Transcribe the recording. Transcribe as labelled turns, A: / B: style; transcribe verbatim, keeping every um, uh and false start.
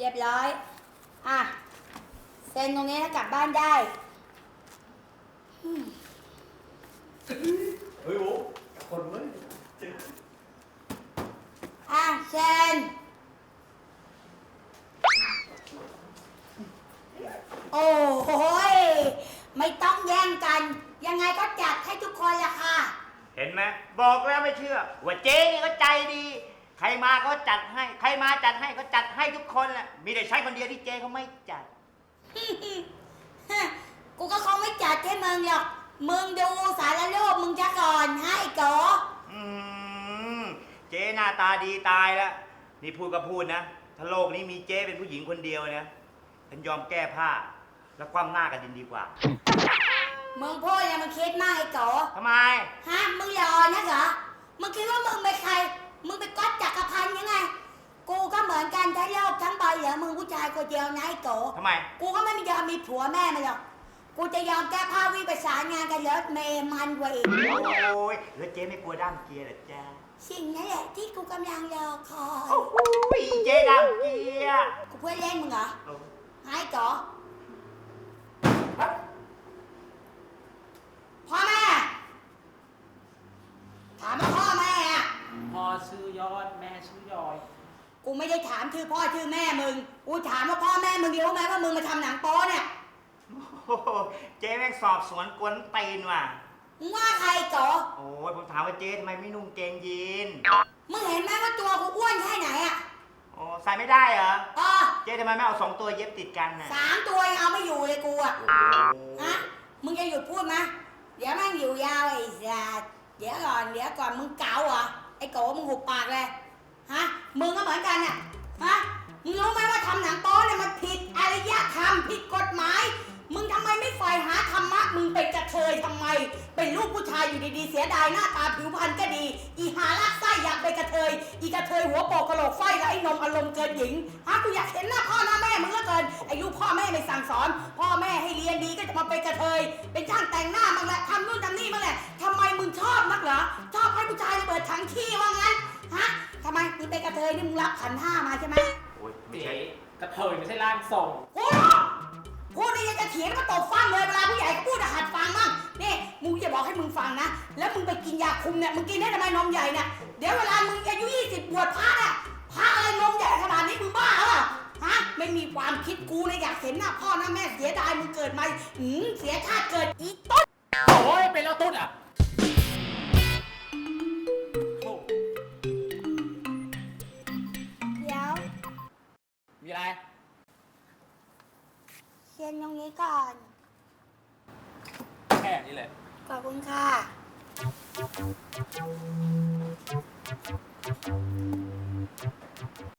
A: รียบร้อยอ่ะเซ็นตรงนี้แล้วกลับบ้านได้
B: เฮ้ยโว้คนเว้ย
A: อ่ะเซ็นโอ้โหยไม่ต้องแย่งกันยังไงก็จัดให้ทุกคนละค่ะ
C: เห็นไหมบอกแล้วไม่เชื่อว่าเจ๊นี่ก็ใจดี ใครมาก็จัดให้ใครมาจัดให้ก็จัดให้ทุกคนแหละมีแต่ใช้คนเดียวที่เจ๊เขาไม่จัด
A: กูก็คงไม่จัดให้มึงหรอกมึงดูสารรูปมึงจะก่อนให้โก
C: อืมเจ๊หน้าตาดีตายแล้วนี่พูดก็พูดนะถ้าโลกนี้มีเจ๊เป็นผู้หญิงคนเดียวนะฉันยอมแก้ผ้าแล้วคว่ำหน้ากันดินดีกว่า
A: มึงพูดเนี่ยมึงคิดมากไอ้โก
C: ทำไม
A: ฮะมึงรอนะเหรอมึงคิดว่ามึงเป็นใครมึงเป็นก๊อตจักรพันธ์ยังไงกูก็เหมือนกันทั้งโลกทั้งใบเหลือมึงผู้ชายคนเดียวนะไอ้โก
C: ทำไม
A: กูก็ไม่ยอมมีผัวแม่มาหรอกกูจะยอมแก้ผ้าวิ่งไปสารงานกันรถเมย์มันกว่าอีก
C: โอ้ยแล้วเจ๊ไม่กลัวด้ามเกียร์หรอจ๊ะ
A: สิ่งนั้นแหละที่กูกำลังรอคอย
C: โอ้ยเจ๊ด้ามเกียร์
A: กูเพื่อนเล่นมึงเหรอไอ้โกพ่อแม่ถามว่าพ่อแม่อะ
D: พ่อชื่อยอดแม่ชื่อยอย
A: กูไม่ได้ถามชื่อพ่อชื่อแม่มึงกูถามว่าพ่อแม่มึงรู้ไหมว่ามึงมาทำหนังโป๊เนี่ย
C: โอ้เจ๊แม่งสอบสวนกวนตีนว่ะ
A: มึงว่าใครจ๋อ
C: โอ้ยผมถามว่าเจ๊ทำไมไม่นุ่งเกงยีน
A: มึงเห็นไหมว่าตัวกูอ้วนแค่ไหนอ่ะ
C: โอ้ใส่ไม่ได้เหรอ
A: เออ
C: เจ๊ทำไมไม่เอาสองตัวเย็บติดกันน่ะ
A: สามตัวยังเอาไม่อยู่เลยกูอ่ะฮะมึงจะหยุดพูดไหมเดี๋ยวแม่งอยู่ยาวไอ้สัสเดี๋ยวก่อนเดี๋ยวก่อนมึงเก๋าเหรอไอ้โกมึงหุบปากเลยฮะมึงก็เหมือนกันน่ะฮะมึงรู้ไหมว่าทำหนังโป๊เนี่ยมันผิดอารยธรรมผิดกฎหมายมึงทำไมไม่ใฝ่หาธรรมะมึงเป็นกระเทยทำไมเป็นลูกผู้ชายอยู่ดีๆเสียดายหน้าตาผิวพรรณก็ดีอีหาลักไส้อยากเป็นกระเทยอีกระเทยหัวโปกกระโหลกไฟและไอ้นมอารมณ์เกินหญิงฮะกูอยากเห็นหน้าพ่อหน้าแม่มึงเหลือเกินไอ้ลูกพ่อแม่ไม่สั่งสอนพ่อแม่ให้เรียนดีก็จะมาเป็นกระเทยเป็นช่างแต่งหน้ามั่งแหละทำนู่นทำนี่มั่งแหละทำไมมึงชอบนักเหรอชอบให้ผู้ชายเปิดถังขี้ว่างั้นฮะทำไมมึงเป็นกระเทยนี่มึงรับขันห้ามาใช่ไหม
C: โอ้ยไม่
D: เจ๊
C: ใช่
D: กระเทยไม่ใช่ร่างทรง
A: โอ้พูดนี่ยังจะเถียงก็ตบฟังเลยเวลาผู้ใหญ่ก็พูดหัดฟังมั่งนี่มึงจะบอกให้มึงฟังนะแล้วมึงไปกินยาคุมเนี่ยมึงกินได้ทำไมนมใหญ่เนี่ยเดี๋ยวเวลามึงอายุยี่สิบบวชพระอ่ะพระอะไรนมใหญ่ขนาดนี้มึงบ้าเหรอฮะไม่มีความคิดกูเลยอยากเห็นหน้าพ่อหน้าแม่เสียดายมึงเกิดมาหืมเสียชาติเกิดอีต้น
D: โอ้ยเป็นแล้วต้นอ่ะ
A: เดี๋ยว
D: มีอะไร
A: เซ็นตรงนี้ก่อน
D: แค่นี้แหละ
A: ขอบคุณค่ะ